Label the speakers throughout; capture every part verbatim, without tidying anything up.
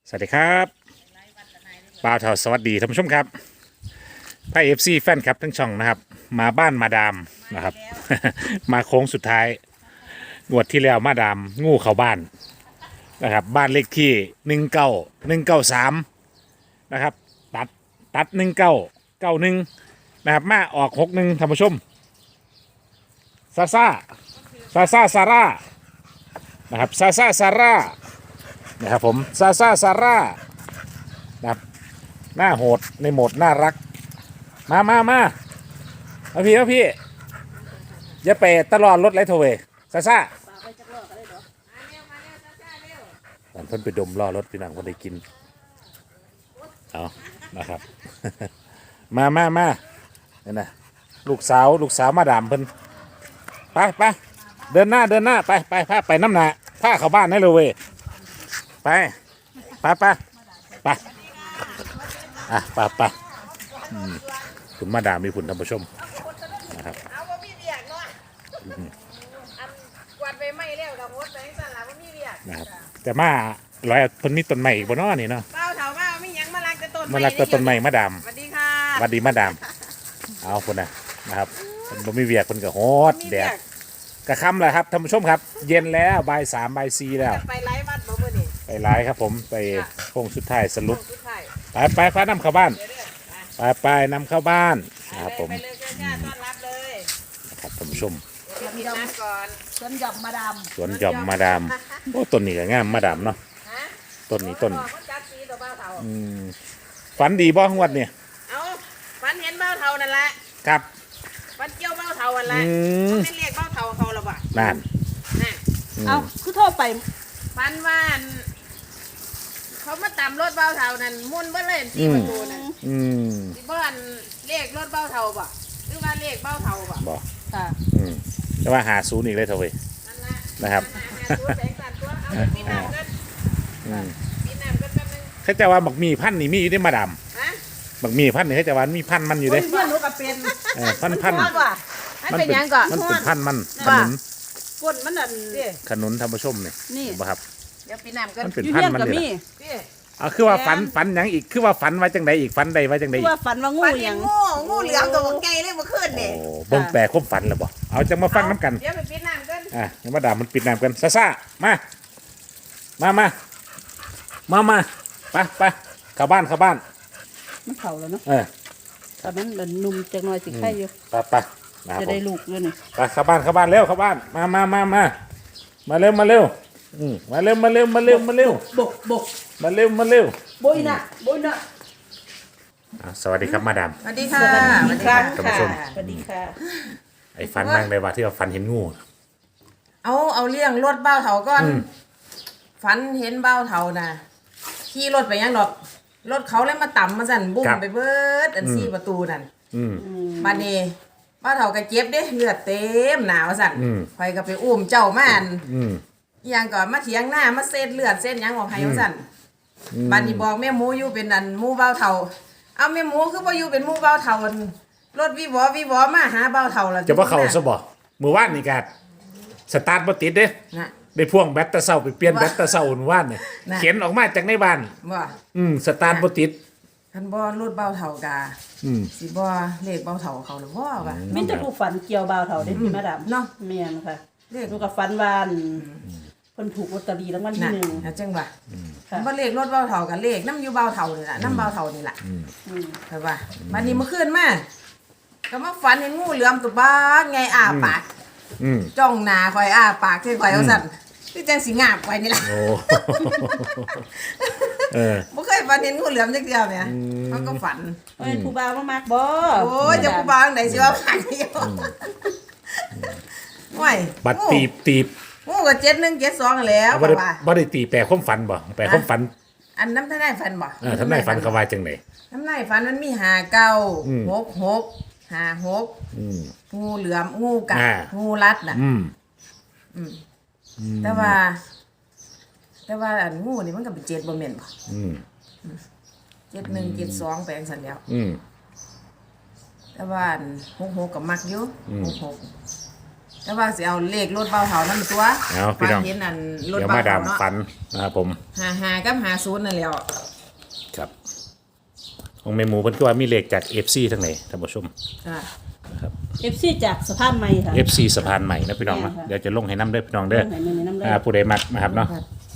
Speaker 1: สวัสดีครับบ่าวเทาสวัสดีท่านผู้ชมครับไพ่เอฟซีแฟนครับทั้งช่องนะครับมาบ้านมาดามนะครับ มาโค้งสุดท้ายงวดที่แล้วมาดามงูเข้าบ้านนะครับบ้านเลขที่หนึ่งเก้าหนึ่งเก้าสามนะครับตัดตัดหนึ่งเก้าเก้าหนึ่งนะครับมาออกหกหนึ่งท่านผู้ชมซาซาซาซาซาร่านะครับซาซาซาร่านะครับผมซาซาซาร่านะครับหน้าโหดในโหมดน่ารักมามามาเอาพี่เอาพี่อย่าไปตลอดรถไรโทเวซาซาตอนเพิ่นไปดมล่อรถพี่นางคนได้กินเอานะครับ มามามาเนี่ยนะลูกสาวลูกสาวมาดามเพิ่นไปไปเดินหน้าเดินหน้าไปไปพาไปน้ำหนาพาเข้าบ้านได้เลยเว้ยไปไปไปไปอ่ะไปไปคุณมาดามมีคุณท่านผู้ชมนะครับ
Speaker 2: เอาว่ามีเบียกเนาะอันกวาดไปไม่แล้วดอกมดไปสั่นละว่ามีเบียก
Speaker 1: นะครับแต่มาร้อยเพิ่นมีต้นใหม่อีกบนน้อนี่เนาะ
Speaker 2: เป้าเถาว่ามีหยังมาลักแต่ต้น
Speaker 1: มาลักแต่ต้นใหม่มาดาม
Speaker 2: สวัสดีค่ะ
Speaker 1: สวัสดีมาดามเอาคนน่ะนะครับเพิ่นบ่มีเวียกเพิ่นก็โหดแดดกระค่ำแล้วครับท่านผู้ชมครับ เย็นแล้วบ่ายสามบ่ายสี่แล้ว
Speaker 2: ไปไล่วัดบ่มื้อนี้
Speaker 1: ไปไลฟ์ครับผมไปโค้งสุดท้ายสรุป
Speaker 2: สุดท้าย
Speaker 1: ไปไปพานำเข้าบ้าน
Speaker 2: เดี๋ยวเด้อ
Speaker 1: ไปไปนำเข้าบ้านนะครับผม
Speaker 2: ไปเลยจ้าต้อนรับเลย
Speaker 1: นะครับท่านผู้ชม
Speaker 2: เดี๋ยวพี่น้ำก่อน
Speaker 3: สวนหย่อมมาดาม
Speaker 1: สวนหย่อมมาดามโอ้ต้นนี้ก็งามมาดามเนาะ
Speaker 2: ฮะ
Speaker 1: ต้นนี้ต้น
Speaker 2: บอกว่าจัดสีตัวเป้าเถา
Speaker 1: อืมฝันดีบ่งวดเนี่ย
Speaker 2: เอาฝันเห็นเป้าเถานั่นแหละ
Speaker 1: ครับ
Speaker 2: ฝันเกี่ยวเป้าเถานั่นแหละ
Speaker 1: อืม
Speaker 2: ไม่เรียกเป้าเถาเขาหรอกว่ะ
Speaker 1: นั่น
Speaker 2: นั่น
Speaker 1: อืม
Speaker 3: เอาคือโทรไป
Speaker 2: ฝันว่าอันเขามาตามรถเป้าเถานั่นมุ่นเบ่เลยที่ประตูนั่น
Speaker 1: อืม
Speaker 2: ที่บ้านเลขรถเบ้าเทาบ่หรือว่าเลขเบ้าเทาบ่
Speaker 1: บ่
Speaker 3: ค่ะ
Speaker 1: อืมแต่ว่าหาศูนย์อีกเลยเถอะเว้ย
Speaker 2: นั่นละ
Speaker 1: นะครับ
Speaker 2: นั่นน่ะตัวแสงสันตัวเอาปีน้ำกัน
Speaker 1: อืม
Speaker 2: ปีน้ำกันแป๊บนึง
Speaker 1: เขาจะว่าบักมีพันธุ์นี่มีอยู่ได้มาดาม
Speaker 2: ฮะ
Speaker 1: บักมีพันธุ์นี่เขาจะว่ามีพันธุ์มันอยู่เด้
Speaker 3: เพื่อนหนูก็เป็น
Speaker 1: เออพันธุ์พันธุ์
Speaker 2: มันว่ามันเป็นหยังก่อน
Speaker 1: มันเป็นพันธุ์มันข
Speaker 2: ว่า
Speaker 1: นุน
Speaker 3: ก้นมันนั่น
Speaker 2: พี่
Speaker 1: ขนุนท่านผู้ชมเนี่ย
Speaker 3: นี่
Speaker 1: เห็นบ่ครับ
Speaker 2: เดี๋ยวปีน้ำกัน
Speaker 1: มันเป็น
Speaker 3: อยู่
Speaker 1: พัน
Speaker 3: เฮียน
Speaker 1: ธุ์มัน
Speaker 3: ก็
Speaker 1: นี่
Speaker 3: มี
Speaker 1: แหละ
Speaker 2: พี่
Speaker 1: เอาคือว่าฝันฝันหยังอีกคือว่าฝันไว้จังใดอีกฝันใดไว้จังใด
Speaker 3: คือ
Speaker 1: อีก
Speaker 3: ว่าฝันว่างู
Speaker 2: ปัน
Speaker 3: ห
Speaker 2: เห็
Speaker 3: ยั
Speaker 2: น
Speaker 3: ง
Speaker 2: งูงูเหลือมตัวไกลเลยเมื่อคืน
Speaker 1: โอ้
Speaker 2: นี่
Speaker 1: เบิ่งแปลความฝันแล้วบ่เอาจังมาฟังน้ำกัน
Speaker 2: เดี๋ยวไปปีน้ำกัน
Speaker 1: อ่ะงั้นมาดามมันปิดน้ำกันซ่าซ่ามามามามามาไปไปเข้าบ้านเข้าบ้าน
Speaker 3: มันเผาแล้วเนาะ
Speaker 1: เออ
Speaker 3: ตอนนั้นมันนุ่มจังหน่อยสิไข่อยู่
Speaker 1: ไปไปนะครับ
Speaker 3: จะ
Speaker 1: ผ
Speaker 3: ได้
Speaker 1: ม
Speaker 3: ลูกด้วยนี่
Speaker 1: ไปเข้าบ้านเข้าบ้านเร็วเข้าบ้านมามามามามาเร็วมาเร็วอืมมาเร็วมาเร็วมาเร็วมาเร็ว
Speaker 3: บกบก
Speaker 1: มาเร็วมาเร็ว
Speaker 3: โบยน่ะโบยน่ะ
Speaker 1: อ่ะสวัสดีครับมาดาม
Speaker 2: สวัสดีค่ะ
Speaker 3: สวัสดีครับ
Speaker 1: ท่านผู้ชม
Speaker 3: สวัสดีค่ะ
Speaker 1: ไอ้ฟันนั่งได้ว่าที่ว่าฟันเห็นงู
Speaker 2: เอาเอาเรื่องรถเบ้าเทาก่อน
Speaker 1: อืม
Speaker 2: ฝันเห็นเบ้าเทาน่ะขี่รถไปยังดอกรถเขาเลยมาต่ำมาสั่นบุ้มไปเบิดอันสี่ประตูนั่น
Speaker 1: อืม
Speaker 2: บัดนี้บ้านเฒ่าก็เจ็บเด้เลือดเต็มหนาวสั่น
Speaker 1: อืม
Speaker 2: ข่อยก็ไปอุ้มเจ้ามาอัน
Speaker 1: อืม
Speaker 2: อีหยังก่อนมาเถียงหน้ามาเซ็ดเลือดเส้นหยังออกให้ว่าสั่น
Speaker 1: อืม
Speaker 2: บัดนี้บอกแม่หมูอยู่เป็นอันหมูเบ้าเฒ่าเอาแม่หมูคือบ่อยู่เป็นหมูเบ้าเฒ่าอันรถวิวอวิวอมาหาเบ้าเฒ่าแล้ว
Speaker 1: จะว่าเขาซะบ่มือว่านนี่กาดสตาร์ทบ่ติดเด้
Speaker 2: น่ะ
Speaker 1: ได้พ่วงแบตเตอร์เซาไปเปลี่ยนแบตเตอร์เซาหนว่านเนี่ย
Speaker 2: น่ะ
Speaker 1: เข็นออกมาจากในบ้าน
Speaker 2: บ่
Speaker 1: อืมสตาร์ทบ่ติด
Speaker 2: คันบ่รถเบ้าเฒ่ากา
Speaker 1: อืม
Speaker 2: สิบ่เลขเบ้าเฒ่าเขาหรือบ่ว่า
Speaker 3: มินจะผู้ฝันเกี่ยวบ่าวเฒ่าได้พี่มาดาม
Speaker 2: เนาะ
Speaker 3: เมียนค่ะ
Speaker 2: เลข
Speaker 3: หนูก็ฝันว่าอั่นเพิ่นถูกลอตเตอรี่รางวัลที่
Speaker 2: น่ะ
Speaker 3: หนึ่ง
Speaker 2: น่ะจังว่า
Speaker 3: ค่ะ
Speaker 2: บ่เลขรถเบ้าเฒ่ากับเลขนำอยู่เบ้าเฒ่านี่ล่ะนำเบ้าเฒ่านี่ล่ะ
Speaker 3: อืม
Speaker 2: ใช่ป่ะบัดนี้เมื่อคืนมาก็มาฝันเห็นงูเหลือมตัวบ้านไงอ้าปาก
Speaker 1: อืม
Speaker 2: จ้องหน้าข่อยอ้าปากคือข่อยเอาสั่นคือจังสิงาบข่อยนี่ล่ะ
Speaker 1: โอ้ เออ
Speaker 2: บ่เคยฝันเห็นงูเหลือมจักเดียวเนี่ยมันก็ฝัน
Speaker 3: เอ้ยผู้บ่าวมามากบ่
Speaker 2: โอ้ยจะผู้บ่าวไหนสิว่าฝันเดียวโอ้ย
Speaker 1: บัดตีบตีบ
Speaker 2: งูก็เจ็ดหนึ่งเจ็ดสองแล้ว
Speaker 1: บ่
Speaker 2: ก็
Speaker 1: ได้
Speaker 2: ว่า
Speaker 1: บ่ได้ตีแปลความฝันบ่แปลความฝัน
Speaker 2: อันน้ำท่านได้ฝันบ่
Speaker 1: เออทำนายฝันเขาว่าจังได๋
Speaker 2: น้ำนายฝันมันมีหาเก้า
Speaker 1: อืม
Speaker 2: หกหกหาหก
Speaker 1: อืม
Speaker 2: งูเหลือมงูกัด
Speaker 1: อ่า
Speaker 2: งูรัดน่ะ
Speaker 1: อืม
Speaker 2: อืม
Speaker 1: อืม
Speaker 2: แต่ว่า แต่ว่าอันงูนี่มันก็เป็นเจ็ดบ่แม่นบ่
Speaker 1: อืม
Speaker 2: เจ็ดหนึ่งเจ็ดสองแปลงสันแล้ว
Speaker 1: อืม
Speaker 2: แต่ว่าอันหกหกกับมักอยู่
Speaker 1: อืม
Speaker 2: หกหกแต่ว่าสิเอาเลขรถเบาเถานั่นตัว
Speaker 1: เอาพี่น้อง
Speaker 2: ฝันเห็นอันรถ
Speaker 1: เดี๋ยว
Speaker 2: เบา
Speaker 1: มาดา
Speaker 2: เถาม เนาะ
Speaker 1: ฝันนะครับผม
Speaker 2: หาหากับหาศูนย์นั่นแหล้ว
Speaker 1: ครับของเมหมูเพิ่นคือว่ามีเลขจาก เอฟ ซี ทั้งไหนท่านผู้ชม
Speaker 2: จ้ะ
Speaker 3: เอฟซีจากสะพานใหม่ค่ะ
Speaker 1: เอฟ ซี สะพานใหม่นะพี่น้องนะ
Speaker 3: แม่นค่ะ
Speaker 1: เดี๋ยวจะลงให้น้ำเด้อพี่น้องเด้อ
Speaker 3: ไหนมือน้ำเลย
Speaker 1: อ่าผู้ใดมักนะครับเนาะ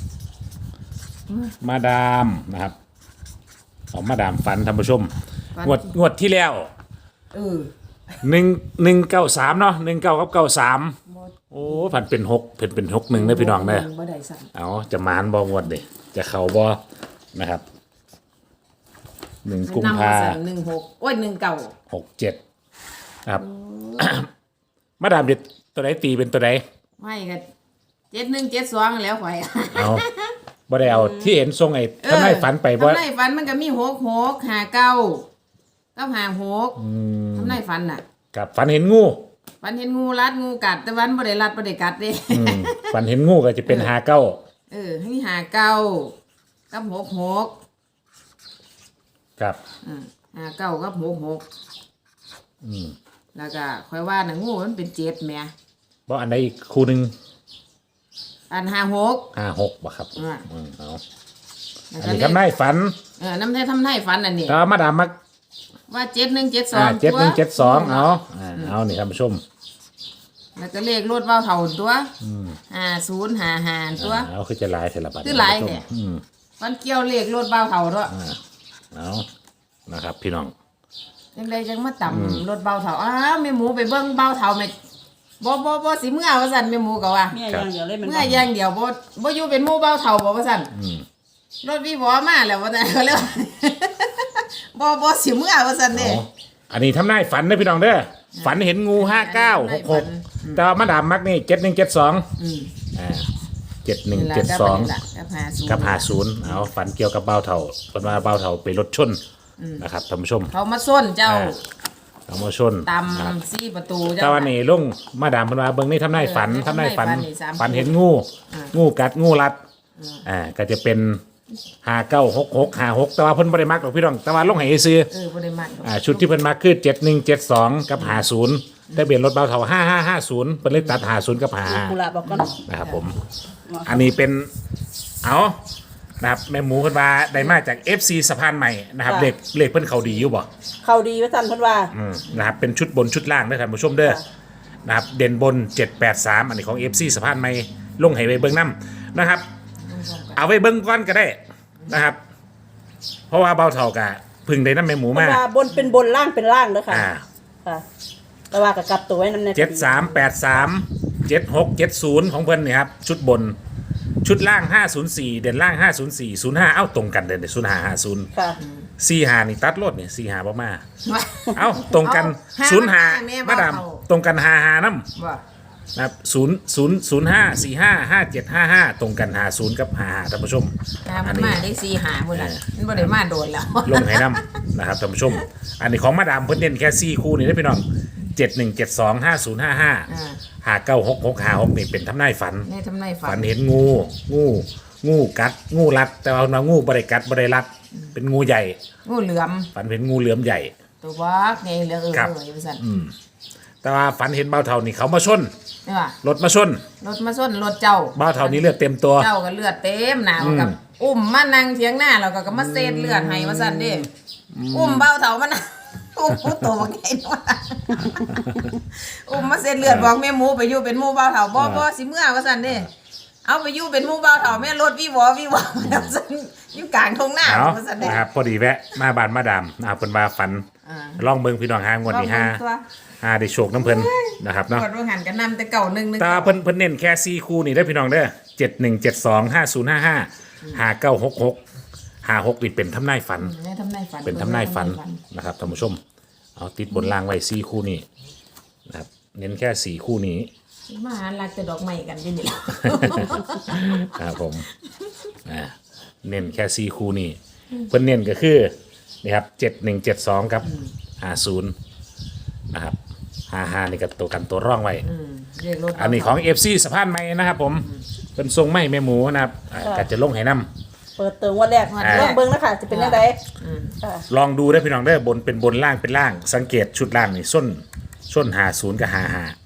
Speaker 1: มาดามนะครับของมาดามฝันท่านผู้ชมงวดงวดที่แล้ว
Speaker 2: เออ
Speaker 1: หนึ่งหนึ่งเก้าสามเนาะหนึ่งเก้ากับเก้าสามโอ้ผันเป็นหกเป็นเป็นหกหนึ่งนะพี่น้องเด้อ
Speaker 2: บ่ได้สั่น
Speaker 1: เอาจะมานบองวดเด้จะเข่าบอนะครับหนึ่งกุม
Speaker 2: นำ
Speaker 1: ภา
Speaker 2: มาสั่นหนึ่งหกโอ้ยหนึ่งเก่า
Speaker 1: หกเจ็ดนะครับ มาดามเด็ดตัวไหนตีเป็นตัวไหน
Speaker 2: ไม่ก็เจ็ดหนึ่งเจ็ดสองแล้วข่อย
Speaker 1: เอาบ่ได้เอาที่เห็นทรงไอ้ทำให้ฝันไปบ่
Speaker 2: ทำไมฝันมันก็มีหกหกหาเก้าก็หาหกทำไมฝันน่ะ
Speaker 1: กับฝันเห็นงู
Speaker 2: ฝันเห็นงูรัดงูกัดแต่วันบ่ได้รัดบ่ได้กัดเด้
Speaker 1: อืมฝันเห็นงูก็จะเป็นหาเก้า
Speaker 2: เออให้หาเก้ากับหกหก
Speaker 1: ครับ
Speaker 2: อืมหาเก้ากับหกหก
Speaker 1: อืม
Speaker 2: แล้วก็ค่อยว่าน่ะงูมันเป็นเจ็ดแหม่
Speaker 1: บ่อันใดอีกคู่หนึ่ง
Speaker 2: อันหาหก
Speaker 1: ห้าหกบ่ครับ
Speaker 2: อ่า
Speaker 1: อืมเอา
Speaker 2: แล้ว
Speaker 1: อัน
Speaker 2: ก็
Speaker 1: นี้
Speaker 2: เล
Speaker 1: ทำ
Speaker 2: ข
Speaker 1: ได้ฝัน
Speaker 2: เออน้ำไทยทำไทยฝันอันนี้
Speaker 1: ก็มาดามมัก
Speaker 2: ว่าเจ็ดหนึ่งเจ็ดสอ
Speaker 1: อ่าง เจ็ดหนึ่งเจ็ดสองเอาอ่าเอานี่ท่านผู้ชม
Speaker 2: แล้วก็เลขรถเบ้าเท่าตัวห้าศูนย์หาหาตัว
Speaker 1: อ่าเอาคือจะหลายเทละบัด
Speaker 2: คือหลายเนี่ย
Speaker 1: อืม
Speaker 2: มันเกี่ยวเลขรถเบ้าเท่าด้วย
Speaker 1: อ่าเอานะครับ พี่น้อง
Speaker 2: ยังไดจังมาต่ำรถเบ้าเท่าอ้าวแม่หมูไปเบิ่งเบ้าเท่าแม่บ่บ่บ่สิเมื่อว่าซั่นแม่หมูก็ว่า
Speaker 3: เมียอย่างเดียวเลยมัน
Speaker 2: เมื่ออย่างเดียวบ่บ่อยู่เป็นหมู่เบ้าเท่าบ่ว่าซั่น
Speaker 1: อืม
Speaker 2: รถวีบอมาแล้วว่าแต่เขาเรียกว่า บ่บ่สิเมื่อว่าซั่นเด้
Speaker 1: เอาอันนี้ทำได้ฝันนะพี่น้องเด้อฝันเห็นงูห้าเก้าหกหกแต่ว่ามาดามมักนี่เจ็ดหนึ่งเจ็ดสอง
Speaker 2: อืม
Speaker 1: อ่าเจ็ดหนึ่ง
Speaker 2: นี่ล่ะ
Speaker 1: เจ็ดสอง
Speaker 2: ก็เป็นนี่ล่ะกับหาศูนย์
Speaker 1: กับหาศูนย์เอาฝันเกี่ยวกับเบ้าเถาคนว่าเบ้าเถาไปรถชนนะครับท่านผู้ชม
Speaker 2: เขามาส้นเจ้า
Speaker 1: อ่า เอามาชน
Speaker 2: ต
Speaker 1: นะครับ
Speaker 2: ำซี่ประตูเจ้า
Speaker 1: แต่วันนี้ลุงมาดามเพิ่นว่าเบิ่งนี่ทำได้ฝัน
Speaker 2: เออ
Speaker 1: ทำได้ฝัน
Speaker 2: ทำได้ฝันนี่สาม
Speaker 1: ฝันเห็นงู งูกัดงูรัดอ่าก็จะเป็นห้าเก้าหกหกห้าหกแต่ว่าเพิ่นบ่ได้มักหรอกพี่น้องแต่ว่าลงให้ซื้อ
Speaker 2: เออบ่ได้มัดดอก
Speaker 1: อ่าชุดที่เพิ่นมักคือเจ็ดหนึ่งเจ็ดสองกับห้าศูนย์ได้เบียนรถเบาเท่าห้าห้าห้าศูนย์เพิ่นเลยตัดห้าศูนย์กับห้า
Speaker 3: กุหลาบบอกก่อน
Speaker 1: นะครับผมอันนี้เป็นเอานะครับแม่หมูเพิ่นว่าได้มาจาก เอฟ ซี สะพานใหม่นะครับเลขเลขเพิ่นเขาดีอยู่บ่
Speaker 3: เขาดีว่าจันเพิ่นว่า
Speaker 1: อืมนะครับเป็นชุดบนชุดล่างเด้อท่านผู้ชมเด้อนะครับเด่นบนเจ็ดแปดสามอันนี้ของ เอฟ ซี สะพานใหม่ลงให้ไว้เบิ่งนํนะครับ เอาไว้เบิ่งก่อนก็ได้นะครับ เพราะว่าเบาเท่ากะพึ่งได้น้ำแม่หมู
Speaker 3: เพิ่
Speaker 1: มาน
Speaker 3: ว่าบนเป็นบนล่างเป็นล่างเด้อค่ะ
Speaker 1: อ่า
Speaker 3: ค่ะแต่ว่ากับกลับตัวไว้นำใน
Speaker 1: เจ็ดสามแปดสามเจ็ดหกเจ็ดศูนย์ของเพิ่นนี่ครับชุดบนชุดล่างห้าศูนย์สี่เด่นล่างห้าศูนย์สี่ศูนย์ห้าเอ้าตรงกันเด่นศูนย์ห้าห้าศูนย์
Speaker 3: ค่ะ
Speaker 1: สี่ห้านี่ตัดรถนี่สี่ห้าบ่มาเอ้าตรงกัน
Speaker 2: เอา
Speaker 1: ศูนย์ห้า
Speaker 2: แม่
Speaker 1: มาดาม
Speaker 2: เบา
Speaker 1: ตรงกันห้าห้าน้ำ
Speaker 2: ว่า
Speaker 1: นะครับศูนย์ศูนย์ศูนย์ห้าสี่ห้าห้าเจ็ดห้าห้าตรงกันหาศูนย์กับหาห้าท่านผู้ชม
Speaker 2: ถ้า
Speaker 1: อั
Speaker 2: มัน น
Speaker 1: นี้
Speaker 2: มาได้สี่หาพุ่นน่ะมันบ่ได้มาโดนแล้ว
Speaker 1: ลงให้น้ำนะครับท่านผู้ชม อันนี้ของมาดามเพิ่นเน้นแค่สี่คู่นี่นะพี่น้องเจ็ดหนึ่งเจ็ดสองห้าศูนย์ห้าห้า
Speaker 2: อ่า
Speaker 1: หาเก้าหกหกหาหกนี่เป็นทำนายฝัน
Speaker 2: ในทำนายฝั
Speaker 1: ฝั
Speaker 2: น
Speaker 1: นเห็นงู งู งูกัด งูรัด แต่ว่าเรางูบริกัดบริรัด เป็นงูใหญ่
Speaker 2: งูเหลือม
Speaker 1: ฝันเห็นงูเหลือมใหญ่
Speaker 2: ตัวบักไงเหลือเออ
Speaker 1: ครับ
Speaker 2: เออว่าซั่น
Speaker 1: แต่ว่าฝันเห็นเบาเท่านี่เขามาชน
Speaker 2: นี่ว่าร
Speaker 1: ถมาชน
Speaker 2: รถมาส้นรถเจ้า
Speaker 1: เบาเท่านี้เลือดเต็มตัว
Speaker 2: เจ้าก็เลือดเต็มหนาวกับ อุ้มมานั่งเถียงหน้าแล้วก็ก็มาเซดเลือดให้ว่าซั่นเด้อุ้มเบาเฒ่ามันน่ะอุ้มผู้โตบักไงเนาะอุ้มมาเซดเลือดบอกแม่หมูไปอยู่เป็นหมู่เบาเฒ่าบ่บ่สิเมื่อว่าซั่นเด้เอาไปอยู่เป็นหมู่เบาเฒ่าแม่รถวิวอวิวอว่าซั่นอยู่กลางทุ่งนา
Speaker 1: เอา
Speaker 2: ว่าซั่นเด้
Speaker 1: นะครับพอดีแวะมาบานมาดามนะครับเป็นว่าฝัน
Speaker 2: อ่า
Speaker 1: ลองเบิ่งพี่น้องหางวดนี้ห้า
Speaker 2: ตัว
Speaker 1: ห้าได้โชคน้ำเพิ่นนะครับเนาะ
Speaker 2: กดว่าหันกันนำแต่เก่าหนึ่งหนึง
Speaker 1: แตาเพิ่นเพิ่นเน้นแค่สี่คู่นี่ได้อพี่น้องเด้อเจ็ดหนึ่งเจ็ดสองห้าศูนย์ห้าห้าห้าเก้าหกหกห้าหกนี่เป็นทำนายฝัน
Speaker 2: ในทำนายฝัน
Speaker 1: เป็นทำนายฝันนะครับท่านผู้ชม เอาติดบนล่างไว้สี่คู่นี้นะครับเน้นแค่สี่คู่นี้
Speaker 2: มาหาลักแต่ดอกไม้กันอยู่นี่ล่ะ
Speaker 1: ครับผมอ่าเน้นแค่สี่คู่นี้เพิ่นเน้นก็คือนี่ครับเจ็ดหนึ่งเจ็ดสองกับห้าศูนย์นะครับห้าห้านี่กับตัวกันตัวร่องไว้
Speaker 2: อืมเรียกรถ
Speaker 1: อันนี้ของ เอฟ ซี สะพานใหม่นะครับผมเป็นทรงไม่แม่หมูนะครับอ่าก็จะลงให้น้
Speaker 3: เปิดเติมวันแรกลองเบิ่งนะคะจะเป็นยังไงค่ะ
Speaker 1: ำลองดูได้อพี่น้องได้อบนเป็นบนล่างเป็นล่าง สังเกตชุดล่างนี่ส้นส้นหาศูนย์กับหาหา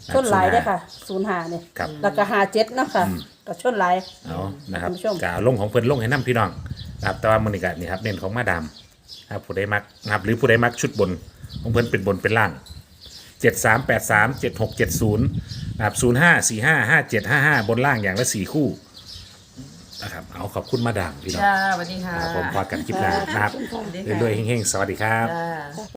Speaker 3: ชนหลายได้อค่ะศูนย์หาเนี่ย
Speaker 1: ครับ
Speaker 3: แล้วก็หาเจ็ดเนาะค่ะก็ชนหลาย
Speaker 1: เอานะครับ
Speaker 3: ท่านผู้ชม
Speaker 1: กาลงของเพิ่นลงให้น้ำพี่น้องนะครับแต่ว่ามือนี้ก็นี่ครับเน้นของมาดามนะครับผู้ใดมักนะครับหรือผู้ใดมักชุดบนของเพิ่นเป็นบนเป็นล่างเจ็ดสามแปดสามเจ็ดหกเจ็ดศูนย์นะครับศูนย์ห้าสี่ห้าห้าเจ็ดห้าห้าบนล่างอย่างละสี่คู่นะครับเอาขอบคุณมาดามพี่น้อง
Speaker 2: จ้าสวัสดีค่ะ
Speaker 1: ครับผมพอกันคลิปหน้านะครับเรื่อยๆเฮงๆสวัสดีครับ
Speaker 2: จ้า